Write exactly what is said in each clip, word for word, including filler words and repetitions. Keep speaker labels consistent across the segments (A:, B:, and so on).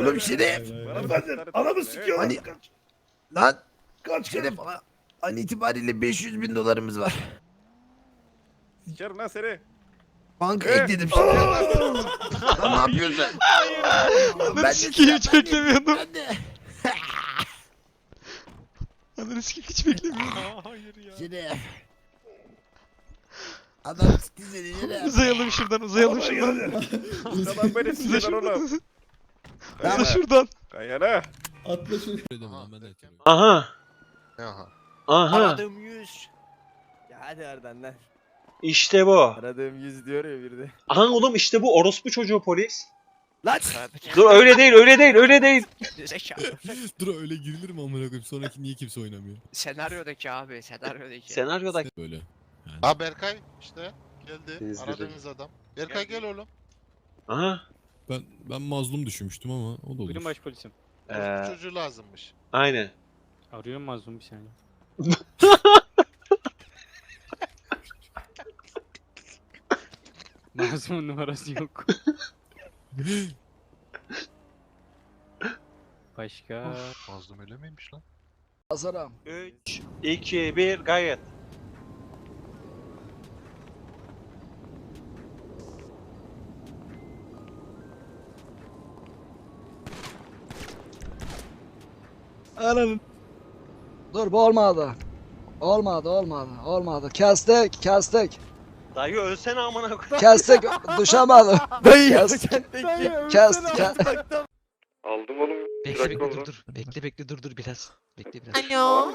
A: Oğlum Şerif.
B: Anamı sikiyorlar.
A: Hani
B: Kaç.
A: lan
B: Kaç
A: Şerif an itibariyle beş yüz bin dolarımız var.
C: Sikerim lan seni.
A: Banka
C: Eh.
A: ekledim şimdi. Lan ne yapıyorsun?
D: Ananı sikeyim hiç beklemiyordum.
A: Ben de.
D: Ananı sikeyim hiç beklemiyordum.
C: Hayır ya.
A: Şerif. Adam sikti seni Şerif.
D: Uzayalım şuradan uzayalım şuradan.
C: Adam beni
D: Uza
C: sikiyor oğlum.
D: şuradan.
A: Tamam.
D: Uza şuradan.
C: Kayana.
E: Atla şunu.
D: Aha.
F: Aha.
D: Aha.
G: Aradığım yüz. Ya hadi Erden lan.
D: İşte bu.
G: Aradığım yüz diyor ya bir de.
D: Aha oğlum işte bu orospu çocuğu polis.
G: Lan!
D: Dur öyle değil öyle değil öyle değil.
H: Zekalı.
E: Dur öyle girilir mi amına koyayım? Sonraki niye kimse oynamıyor?
H: Senaryodaki abi, senaryodaki.
D: Senaryoda
E: Böyle.
F: Ha Berkay işte geldi.
D: İzledim.
F: Aradığınız adam. Berkay gel oğlum.
D: Aha.
E: Ben ben mazlum düşünmüştüm ama o da olur.
I: Buyurun başpolisim.
D: Ee,
F: Ee... Çocuğu lazımmış.
D: aynen.
I: Arıyorum mazlum bir saniye. Mazlumun numarası yok. Başka?
F: Mazlum öyle miymiş lan?
A: Hasan'ım.
D: üç, iki, bir gayet.
J: Ananın. Dur bu olmadı. Olmadı olmadı olmadı. Kestik kestik.
D: Dayı ölsene amına koyayım.
J: Kestik düşemedim.
G: Dayı
J: Kes. Kes kes.
C: Aldım oğlum.
H: Bekle bekle dur dur. Bekle bekle dur dur biraz. Bekle biraz.
K: Alo.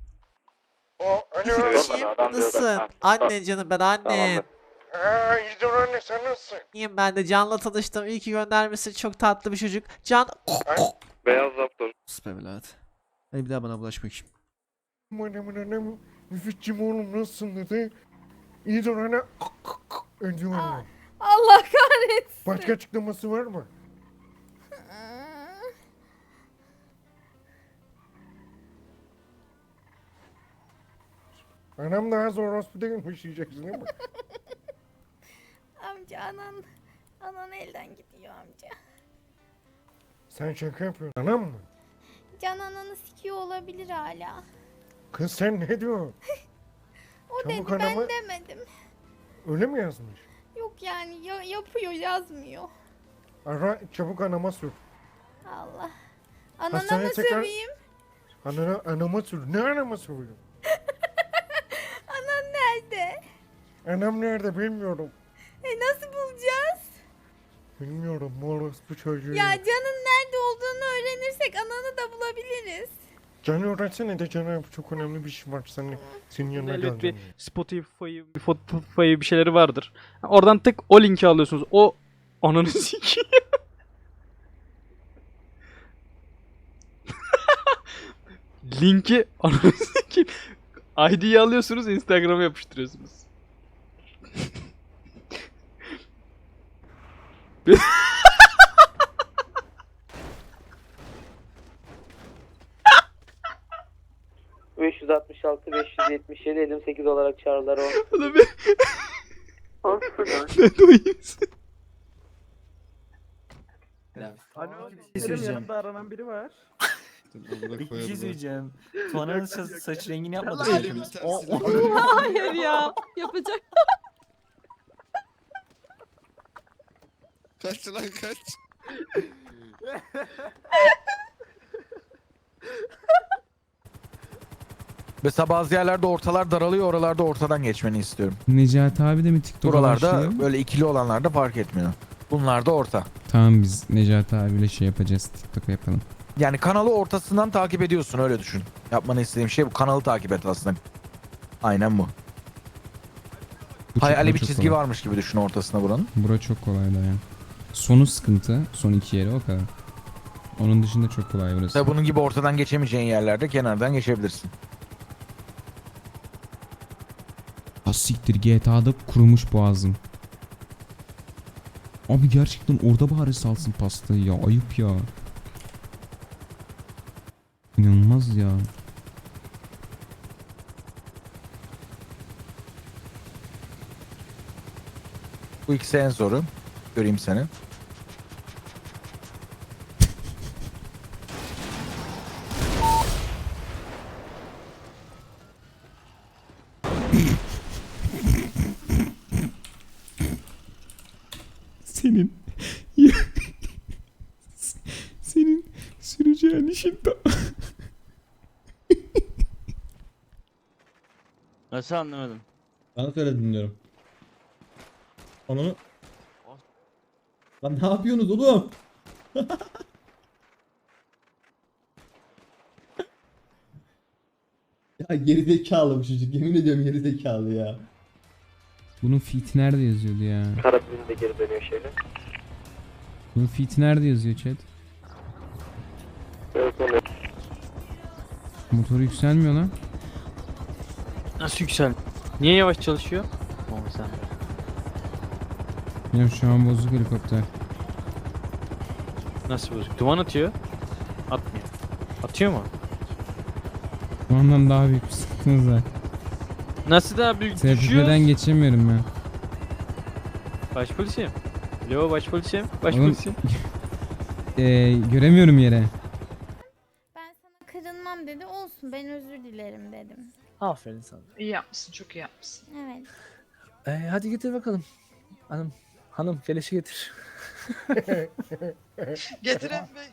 K: Eşim nasılsın? Anne canım ben anne.
C: Aaa iyidir anne sen nasılsın?
K: İyiyim ben de Can'la tanıştım. İyi ki göndermişsin. Çok tatlı bir çocuk. Can.
C: Beyaz raptor.
K: Sus be evlat. Hadi bir daha bana bulaşma bakayım.
B: Anamın anamın. Müfitçim oğlum nasılsın dedi. İyidir anne. Öncüm anne.
K: Allah kahretsin.
B: Başka açıklaması var mı? Anam daha zor orospu değilmiş diyeceksin değil mi?
K: Amca anan. Anan elden gidiyor amca.
B: Sen şaka yapıyorsun. Anam mı?
K: Can ananı sikiyor olabilir hala.
B: Kız sen ne diyorsun?
K: O
B: Çabuk
K: dedi ben
B: anamı-
K: demedim.
B: Öyle mi yazmış?
K: Yok yani ya- yapıyor yazmıyor.
B: Ara çabuk anama sür.
K: Allah. Anana
B: Hastaneye
K: mı
B: tekrar-
K: söveyim?
B: Anana, anama sür. Ne anama sürüyor?
K: Anan nerede?
B: Anam nerede bilmiyorum.
K: E nasıl bulacağız?
B: Bilmiyorum orospu çocuğu.
K: Ya Can'ın nerede olduğunu öğrenirsek ananı da bulabiliriz.
B: Canı öğretsene de Can'a çok önemli bir şey var. Senin, senin yanına
I: Elbet
B: geleceğim.
I: bir Spotify, bir Spotify bir şeyleri vardır. Oradan tık o linki alıyorsunuz. O ananı sikeyim. Linki ananı sikeyim. I D'yi alıyorsunuz, Instagram'a yapıştırıyorsunuz.
G: beş yüz altmış altı beş yüz yetmiş yedi elli sekiz olarak çağrılar o.
I: Ulan ben... Ben de uyuyayım.
G: Bir şey söyleyeceğim. Aranan biri var. Bir şey söyleyeceğim. Tuana'nın saç, saç rengini yapmadık.
K: Hayır ya. Yapacak.
F: Kaç lan kaç.
G: Mesela bazı yerlerde ortalar daralıyor, oralarda ortadan geçmeni istiyorum.
J: Necati abi de mi TikTok'a
G: Buralarda böyle ikili olanlarda fark etmiyor. Bunlar da orta.
J: Tamam biz Necati abiyle şey yapacağız. TikTok'a yapalım.
G: Yani kanalı ortasından takip ediyorsun, öyle düşün. Yapmanı istediğim şey bu, kanalı takip et aslında. Aynen bu. Hayali bir çizgi varmış gibi düşün ortasına buranın.
J: Bura çok kolay da ya. Sonu sıkıntı. Son iki yeri o kadar. Onun dışında çok kolay burası.
G: Ve bunun gibi ortadan geçemeyeceğin yerlerde kenardan geçebilirsin.
J: Ha siktir, G T A'da kurumuş boğazım. Abi gerçekten orada bari salsın pastayı ya. Ayıp ya. İnanılmaz ya.
G: Bu ikisi en zoru. Göreyim seni.
J: senin senin süreceğin işin tam.
G: Nasıl anlamadım?
J: Bana söyle dinliyorum. Onu lan ne yapıyorsunuz oğlum? Ya gerizekalı bu çocuk, yemin ediyorum gerizekalı ya. Bunun feat nerede yazıyordu ya?
C: Karabinin de geri dönüyor şeyle.
J: Bunun feat nerede yazıyor chat?
C: Evet onu.
J: Motoru yükselmiyor lan.
I: Nasıl yüksel? Niye yavaş çalışıyor? Oğlum sen.
J: Benim şu an bozuk helikopter.
I: Nasıl bozuk? Duman atıyor. Atmıyor. Atıyor mu?
J: Ondan daha büyük bir sıkıntımız var.
I: Nasıl daha büyük
J: T F
I: düşüyor?
J: P'den geçemiyorum ben.
I: Başpolisim. Alo başpolisim.
J: Oğlum-
I: Başpolisim.
J: Ee, göremiyorum yere.
L: Ben sana kırılmam dedi. Olsun ben özür dilerim dedim.
G: Aferin sana.
K: İyi yapmışsın, çok iyi yapmışsın.
L: Evet.
G: Ee, hadi getir bakalım. Hanım, hanım keleşi getir.
K: Getiren Bey.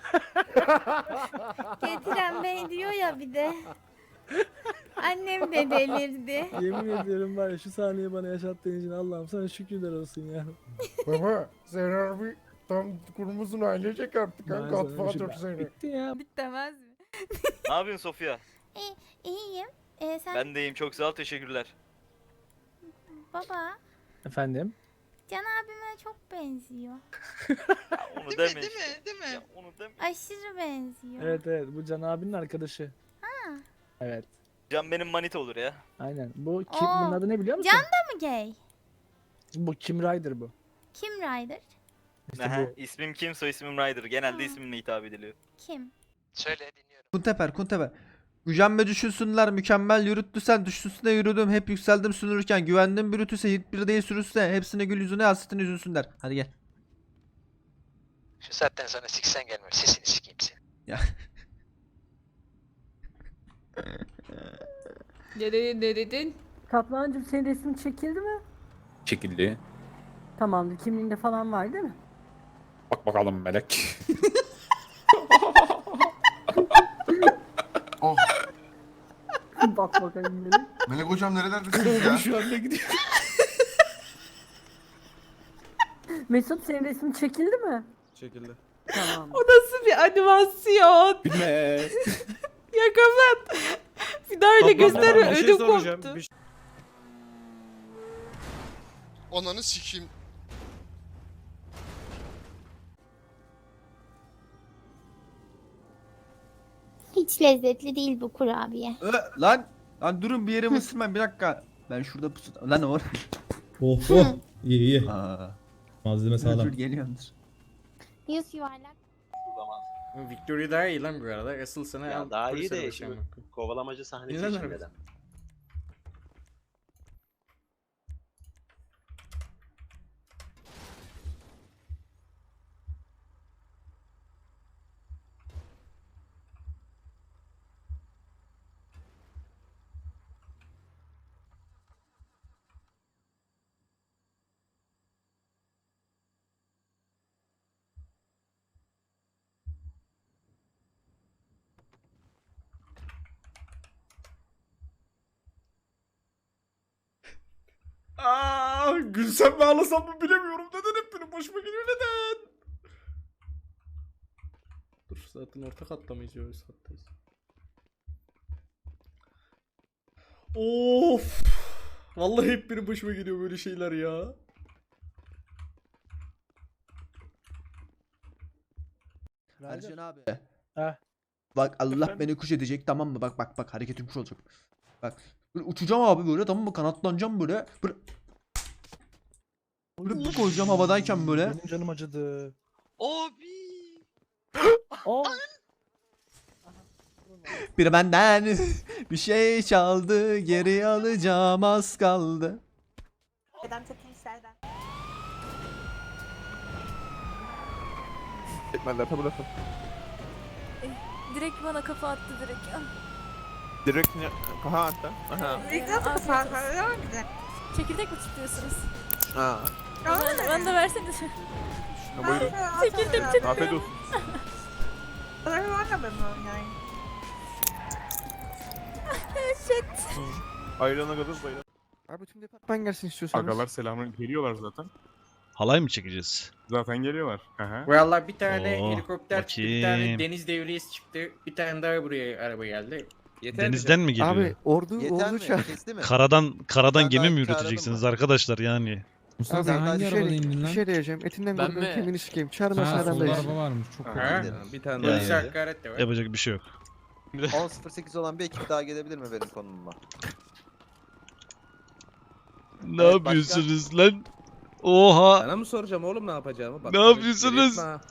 L: Getiren bey diyor ya bir de. Annem de delirdi.
G: Yemin ediyorum var ya şu sahneyi bana yaşattığın için Allah'ım sana şükürler olsun ya.
B: Baba sen harbi tam kurumuzun ailecek artık ha. Godfather seni.
G: Bitti ya.
L: Bitemez mi?
D: Ne yapıyorsun Sofya?
L: İyiyim. Ee, sen
D: Ben de iyiyim, çok sağ ol, teşekkürler.
L: baba
G: Efendim?
L: Can abime çok benziyor.
D: Onu
K: Değil mi, değil mi, değil mi?
D: Onu deme.
L: Aşırı benziyor.
G: Evet evet bu Can abinin arkadaşı.
L: Ha.
G: Evet.
D: Can benim manita olur ya.
G: Aynen. Bu kim
L: Oo,
G: bunun adı ne biliyor musun?
L: Can mı gay?
G: Bu Kim Ryder bu.
L: Kim Ryder?
G: İşte
D: Aha,
G: bu.
D: ismim kim, soy ismim Ryder. Genelde
L: Ha.
D: ismimle hitap ediliyor.
L: Kim?
H: Söyle dinliyorum.
K: Kunteper, Kunteper. Gücenme düşünsünler, mükemmel yürüttü sen, düştüsüne yürüdüm, hep yükseldim sünürken, güvendim bürütüse, hit bir değil sürüsüne, hepsine gül yüzüne, hasretine üzülsünler. Hadi gel.
H: Şu saatten sonra siksen gelmiyor. Sesini sikeyim seni.
K: Ne dedin, ne dedin?
G: Kaplancığım senin resmin çekildi mi?
E: Çekildi.
G: Tamamdır. Kimliğinde falan var değil mi?
E: Bak bakalım melek.
G: Bak bakayım beni.
C: Melek hocam nerelerdesiniz ya?
E: Şu anda gidiyor.
G: Mesut senin resmin çekildi mi?
E: Çekildi.
G: Tamam.
K: O nasıl bir animasyon?
E: Bilme.
K: Ya kapat. Bir daha öyle gösterme, ödüm koptu.
F: Onanı sikeyim.
L: Hiç lezzetli değil bu kurabiye.
K: Lan, lan durun bir yerimi ısırmayın bir dakika. Ben şurada pusu... Lan or.
J: Oh oh. İyi iyi.
K: Aa,
J: Malzeme sağlam.
K: geliyordur.
L: Yüz yuvarlak.
B: Victory daha iyi lan bu arada. Asıl sana
D: Ya daha iyi de şimdi kovalamacı sahne
B: Güzel
D: çekmeden.
B: Aa, gülsem mi ağlasam mı bilemiyorum. Neden hep benim başıma geliyor neden? Dur zaten orta katta mıyız? Öyle kattayız. Of. Vallahi hep benim başıma geliyor böyle şeyler ya.
K: Ercan abi.
G: Ha.
K: Bak Allah beni kuş edecek tamam mı? Bak bak bak hareketim kuş olacak. Bak böyle uçacağım abi böyle tamam mı? Kanatlanacağım böyle. Böyle, böyle bir koyacağım havadayken böyle.
G: Benim canım acıdı.
K: Abi.
G: Aa.
K: Bir benden bir şey çaldı, geri alacağım az kaldı.
C: Etmenler tabi lafı.
L: Direkt bana kafa attı direkt.
C: Direkt ne? Aha hatta. Aha.
L: Çekirdek mi tutuyorsunuz?
C: Ha.
L: Bana, bana da versene.
C: Ha, buyurun.
L: Çekildim çıktım.
C: Afiyet olsun.
L: Shit.
C: Ayrılana kadar bayram.
B: Abi tüm departman gelsin istiyorsanız.
E: Agalar selamın geliyorlar zaten.
I: Halay mı çekeceğiz?
E: Zaten geliyorlar. Aha.
G: Valla bir tane
I: Oo,
G: helikopter çıktı, bir tane
I: bakayım.
G: deniz devriyesi çıktı, bir tane daha buraya araba geldi.
I: Denizden mi geliyor?
B: Abi ordu ordu çağır.
I: Karadan karadan
C: Ben
I: gemi
C: daha
I: mi
C: çağırdım
I: ürüteceksiniz
C: mı?
I: arkadaşlar yani?
J: Mustafa
B: Abi
J: sen
B: ben
J: hangi
B: bir
J: arabada
B: şey,
J: indin
B: bir
J: lan?
B: şey diyeceğim. Etinden
C: Ben
B: korkuyorum
C: mi?
B: kemiğini sikeyim. Çağırmasın
J: Ha
B: adam
J: solda
B: da
J: araba varmış. Çok
G: Aha.
J: korktum.
C: Bir tane
I: Yani.
G: Polis hakaret de var.
I: Yapacak bir şey yok.
C: on sıfır sekiz olan bir ekip daha gelebilir mi benim konumuma?
I: Ne
C: Evet,
I: yapıyorsunuz lan? Oha!
C: Sana mı soracağım oğlum ne yapacağımı? Bak,
I: Ne
C: tabii
I: yapıyorsunuz?
C: etme ha.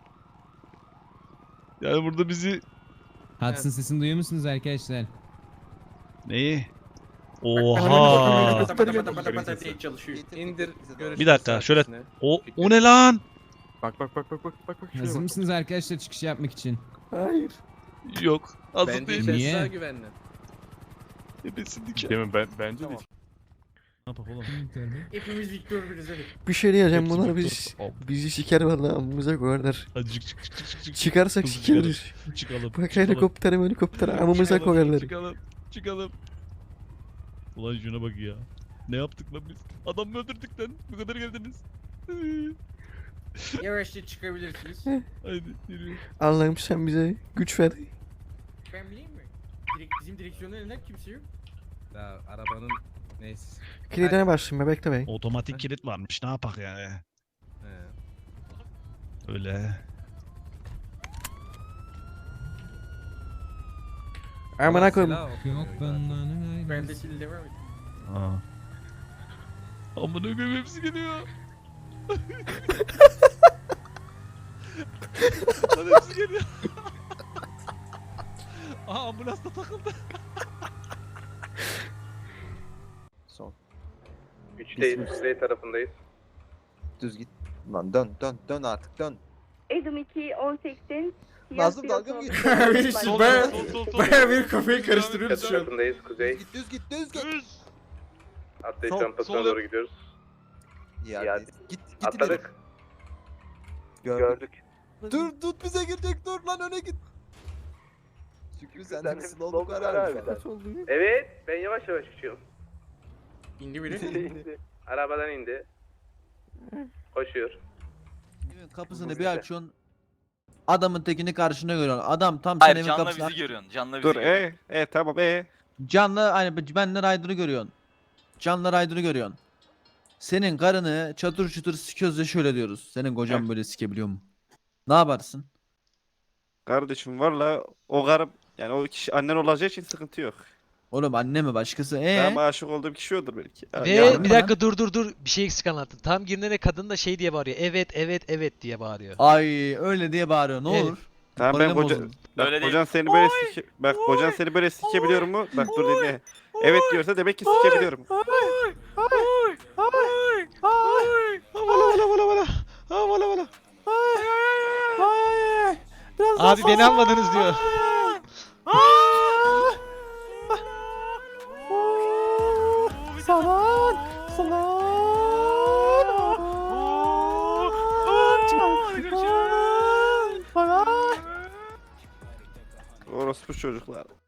I: Yani burada bizi
J: Hudson sesini duyuyor musunuz arkadaşlar?
I: neyi?
B: Oha.
I: Oha!
G: Pata pata pata pata pata diye çalışıyor.
C: Getir,
D: İndir,
C: getir, bize
D: görüş-
I: Bir dakika şöyle o o ne lan?
E: Bak bak bak bak bak bak bak şuraya
J: Hazır
E: bak.
J: mısınız arkadaşlar çıkış yapmak için?
B: Hayır.
I: Yok. Hazır
C: Bence
I: değil.
J: Niye?
C: içerisi daha güvenli.
I: Ebesinlik.
E: Değil mi? Ben, bence
C: Tamam.
E: de.
I: Ne yapalım oğlum?
G: Hepimiz Victor biriz hadi.
B: Bir şey diyeceğim.
I: Hepsi
B: Bunlar
I: doktor.
B: biz
I: Hop.
B: bizi siker vallahi amımıza koyarlar.
I: Hadi çık çık çık çık çık. çık.
B: Çıkarsak
I: Hızlı
B: sikeriz.
I: çıkalım. Çıkalım.
B: Bak
I: çıkalım.
B: helikopter helikopter amımıza
I: Çıkalım,
B: koyarlar.
I: Çıkalım. Çıkalım. Ulan şuna bak ya. Ne yaptık lan biz? Adam mı öldürdük lan? Bu kadar geldiniz.
G: Yavaşça çıkabilirsiniz.
I: Haydi yürü.
B: Allah'ım sen bize güç ver.
G: Ben bileyim mi? Direkt bizim direksiyonun elinden kimse yok.
C: Ya arabanın neyse.
B: Kilidine bastım be bekle bey.
I: Otomatik kilit varmış. Ne yapak yani?
C: He.
I: Öyle.
B: Amına koyayım.
J: Yok benden
G: Ben de şimdi devam et.
I: Aa. Amına koyayım hepsi geliyor. Lan hepsi geliyor. Aha ambulans da takıldı.
C: Son.
F: Üçteyiz, kuzey tarafındayız.
C: Düz git. Lan dön dön dön artık dön.
L: Edim iki on seksen.
C: Nazım dalga mı geçiyor?
G: Baya baya baya bir kafayı karıştırıyoruz şu an.
F: Tarafındayız, kuzey.
C: Git düz git düz git.
F: Atlayış
C: Sol-
F: rampasına
C: sol
F: doğru gidiyoruz.
C: Ya git git git
F: Atladık.
C: ileri.
F: Gördük.
C: Dur tut bize girecek dur lan öne git. Şükrü sen de slow var abi.
B: Kaç oldu?
F: Evet, ben yavaş yavaş uçuyorum.
G: İndi biri.
F: Arabadan indi. Koşuyor.
K: Evin kapısını bir açıyorsun. Adamın tekini karşına görüyorsun. Adam tam
D: Hayır
K: senin evin
D: canla
K: kapısına.
D: bizi görüyorsun. Canla bizi
C: Dur
D: görüyorsun.
C: e e tamam e.
K: Canlı hani benle Ryder'ı görüyorsun. Canlı Ryder'ı görüyorsun. Senin karını çatır çutur sikiyoruz ya şöyle diyoruz. Senin kocan böyle sikebiliyor mu? Ne yaparsın?
C: Kardeşim valla o karım yani o kişi annen olacağı için sıkıntı yok.
K: Oğlum anne mi başkası? Ee?
C: Ama aşık olduğum kişi odur belki. Ya-
K: Ve-
C: ya-
K: bir dakika,
H: dur dur dur bir şey eksik anlattın. Tam girdiğinde kadın da şey diye bağırıyor. Evet evet evet diye bağırıyor.
K: Ay öyle diye bağırıyor. Ne
H: Evet.
K: olur?
C: Tamam ben
K: Moralim
C: koca,
K: bozuldu.
C: bak,
D: Öyle değil.
C: kocan seni böyle sike, bak kocan seni böyle sikebiliyor mu? Bak dur dinle. Evet diyorsa demek ki sikebiliyorum.
H: Abi beni almadınız diyor.
C: Orospu çocuklar.